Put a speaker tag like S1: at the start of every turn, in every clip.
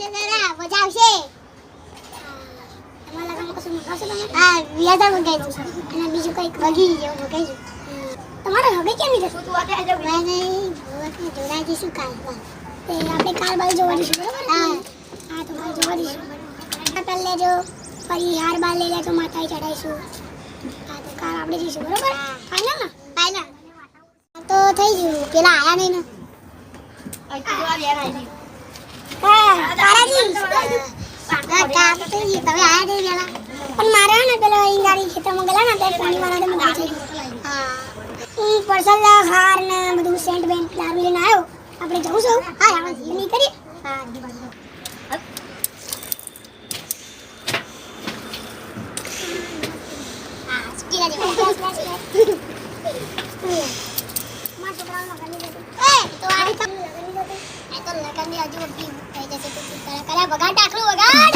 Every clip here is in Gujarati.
S1: મજા આવશે. તમારા લગનમાં કશું મંગાવશો તમે? હા, વ્યાજા મંગાવીશું. અને બીજું કંઈક વગી જેવું મંગાવીશું. તમારે હવે કેમ નહીં જશું? તું અત્યારે મેં નહીં જોડાઈ જઈશું કાલ. તે આપણે કાલ બાજુ જોવા જઈશું, બરાબર? હા હા, તો કાલ જોવા જઈશું. કાલ લેજો, ફરી હાર બાર લઈ લેજો, માતાએ ચડાવીશું. હા, તો કાલ આપણે જઈશું, બરાબર? ફાઇનલ ને? ફાઇનલ તો થઈ ગયું. પેલા આયા નહીં ને? હા, તારાજી તમે આયા નહીં પેલા. પણ મારે ને પેલા અહીં ગાડી ખેતરમાં ગયેલા ને ત્યારે પાણી વાળા મંગાવી થઈ ગયું. હા, પર્સલ હાર ને બધું સેન્ટ બેન્ટ દારૂ લઈને આવ્યો. આપણે જવું છું. હા, આપણે નહીં કરીએ. હા, વગાડ ટાકલું વગાડ.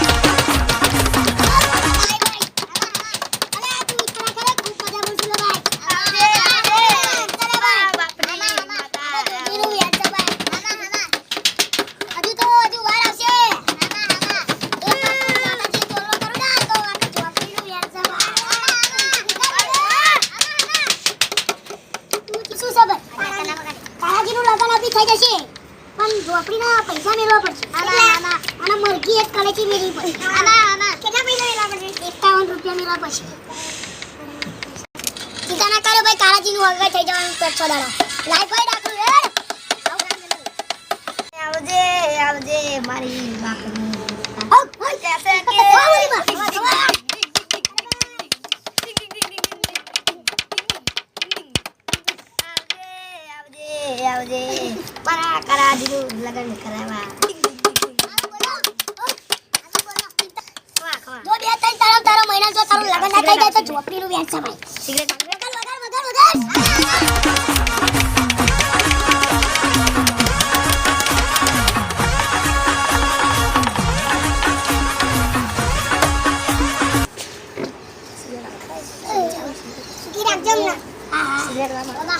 S1: થઈ જશે પણ ઝોપડીના પૈસા મેળવવા પડશે. આના મરઘી એક કલેચી મેળવી પડશે. કેટલા પૈસા મેળવવા પડશે? 51 રૂપિયા મેળવવા પડશે. ચિંતા ના કરો ભાઈ, કાળાજીનું હગા થઈ જવાનું 6 દાડા. લાઈફ ભાઈ ડાકું યાર.
S2: આવજે આવજે મારી બાકડી.
S1: ઓય
S2: કેસે કે આવજે મારા કરાજીનું લગન કરાવવા.
S1: જો બે ત્રણ તારો મહિના જો તારું લગન ના થઈ જાય તો ઝોપડીનું વ્યાજ છે ભાઈ.
S2: સિગરેટ
S1: વગાડ. સુકી રાખજો ને. હા
S2: સિગરેટ વાળા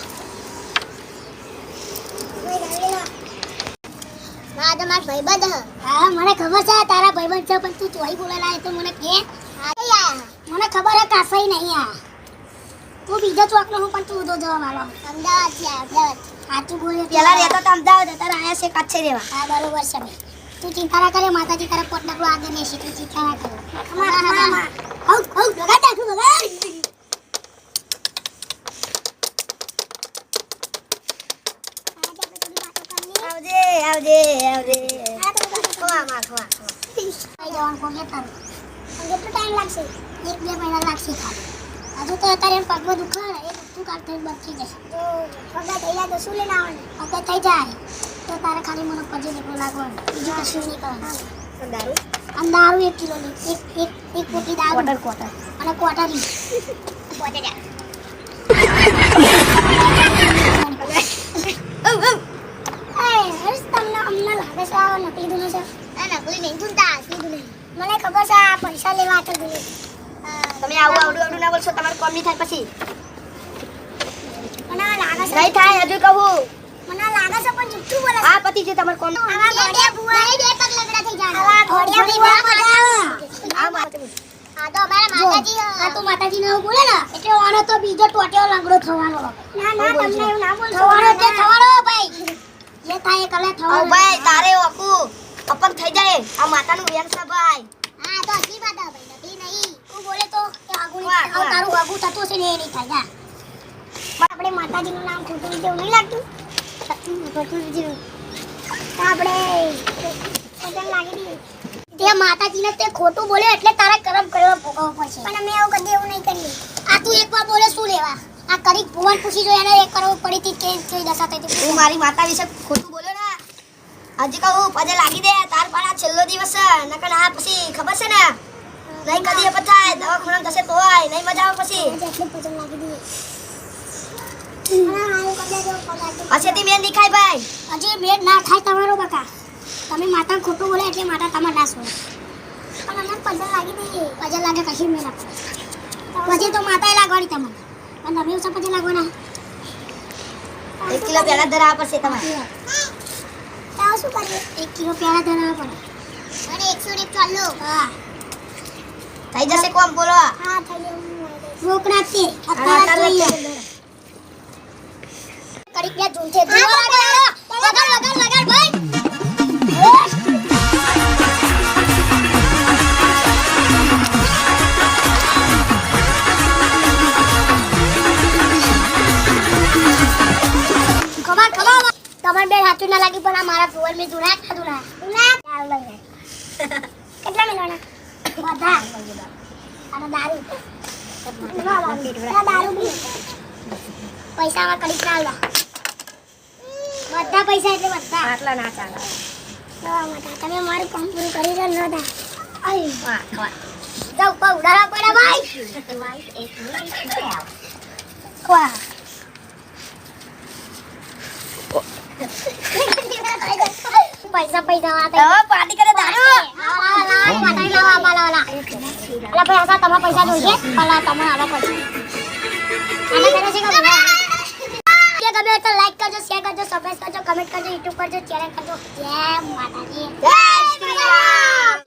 S1: હા, મને ખબર છે તારા ભાઈબંધ છે, પણ તું ચોઈ બોલેલા તો મને કે. મને ખબર છે કાસઈ નહીં આ. તું બીજો ચોકનો હું પણ તું ઉધો જવા મારો. અમદાવાદ છે, અમદાવાદ. સાચું બોલ્યો.
S2: પેલા રહેતો તો અમદાવાદ, અત્યારે આયા છે કાચે રહેવા.
S1: હા, બરોબર છે ભાઈ. તું ચિંતા ના કરે, માતાજી તારા પોટ ડકલો આગળ નહીં તું ચિંતા ના કરે. વગાડ ટાકું વગાડ.
S2: આવજે આવજે આવજે. ખવા ખવા
S1: જવાનું કોણ તારું કેટલો ટાઈમ લાગશે? 1-2 મહિના લાગશે ખાલી. હજુ તો અત્યારે પગમાં દુખાવે એ બધું કાઢ થઈ બંધ થઈ જશે. તો પગા થઈ જાય તો શું લઈને આવવાનું? પગા થઈ જાય તો તારે ખાલી મને પછી નીકળું લાગવાનું, બીજું કશું નહીં કરવાનું.
S2: દારૂ
S1: અને દારૂ 1 કિલો ની એક પોટી દારૂ
S2: ક્વાર્ટર
S1: અને ક્વાર્ટરી તમને લાગે છે આ નકલી દુનો છે? નકલી નહીં ધૂનતા, asli દુનો. મને ખબર છે આ પૈસા લેવા આટલું દુનો.
S2: તમે આવડું ના બોલશો, તમારું કામ નહીં થાય પછી.
S1: મને લાગે છે
S2: નહીં થાય, હજુ કહું.
S1: મને લાગે છે પણ જુઠ્ઠું બોલે છે.
S2: આ પતિ છે તમારું કામ.
S1: આવા ઘોડિયા બુઆ બે પગ લગડા થઈ જાય. આવા ઘોડિયા બુઆ મજા આવે.
S2: આ માથે
S1: આ તો અમારા માતાજી. આ તો માતાજી ને એવું બોલે ને એટલે ઓનો તો બીજો ટોટિયો લંગડો થવાનો. ના તમને એવું ના બોલશો. થવાનો ભાઈ. જે થાય કલે
S2: ઓ
S1: થવાનો.
S2: ભાઈ તારે ઓકુ અપંગ થઈ જાય. આ માતાનું વેમ છે ભાઈ.
S1: હા તો અસલી વાત આ ભાઈ, નકલી નહીં. તું બોલે તો કે આગુની
S2: વાહ, વાહ.
S1: તારું આગુ થતું છે ને એ નહીં થાય. જા આપણે માતાજીનું નામ ખોટું જેવું નહીં લાગતું? ખોટું જેવું આપણે પતંગ લાગી દઈએ. તે માતાજીને તે ખોટું બોલે એટલે તારા કરમ કરવા ભોગવવો પડશે. પણ અમે એવું કદી એવું નહીં કરીએ. આ તું એકવાર બોલે શું લેવા? આ કરી ભુવન પૂછી જો એને એક કરવું પડી હતી કે કઈ દશા થઈ હતી.
S2: તું મારી માતા વિશે ખોટું બોલ્યો ને, હજી કહું પજે લાગી દે. તાર પણ આ છેલ્લો દિવસ છે, નકર આ પછી ખબર છે ને નહીં કદી એ પછાય દવાખાના જશે તો આય નહીં મજા આવે પછી.
S1: એટલે પતંગ લાગી દઈએ. હા આવું કદાચ જો પગાર
S2: હસેથી મેં દેખાય ભાઈ.
S1: હજી બેડ ના થાય તમારો બકા. તમે માતા ખોટું બોલે એટલે માતા તમારે ના સોય. પણ અમે પજલ લાગી દઈએ. પજલ લાગે કશી મેં ના પછી તો માતાએ લાગવાની તમને. પણ તમે ઉસા પજલ લાગવાના.
S2: 1 કિલો પહેલા ધરાવવા પડશે તમારે.
S1: તાવ શું કરીએ? 1 કિલો પેલા ધરાવવા પડે. અને 141
S2: હા થઈ જશે કોમ બોલો
S1: હા થઈ ગયું રોકડા છે
S2: અત્યારે
S1: જોઈએ
S2: કડીક ને ઝૂલતે વગાડ ભાઈ ખબર તમારે બે હાથું ના લાગી પણ આ મારા ફોન મે જોડા ખાધું ના ચાલ લઈ
S1: કેટલા મિલવાના બધા અને દારૂ દારૂ બી પૈસામાં કડીક ના આલ્યા બધા પૈસા એટલે બધા
S2: આટલા ના ચાલે
S1: તમે મારું કામ પૂરું કરી દો ન દા
S2: આઈ વાહ જાવ પા ઉડાડા પડ્યા ભાઈ
S1: ખવા પૈસા
S2: હવે પાર્ટી કરે દારૂ
S1: તમારા પૈસા જોઈએ પેલા તમે આવા પૈસા આને કરે છે કે ગમે તો લાઈક કરજો શેર કરજો સબસ્ક્રાઇબ કરજો કમેન્ટ કરજો યુટ્યુબ કરજો ચેનલ કરજો જય માતાજી
S2: જય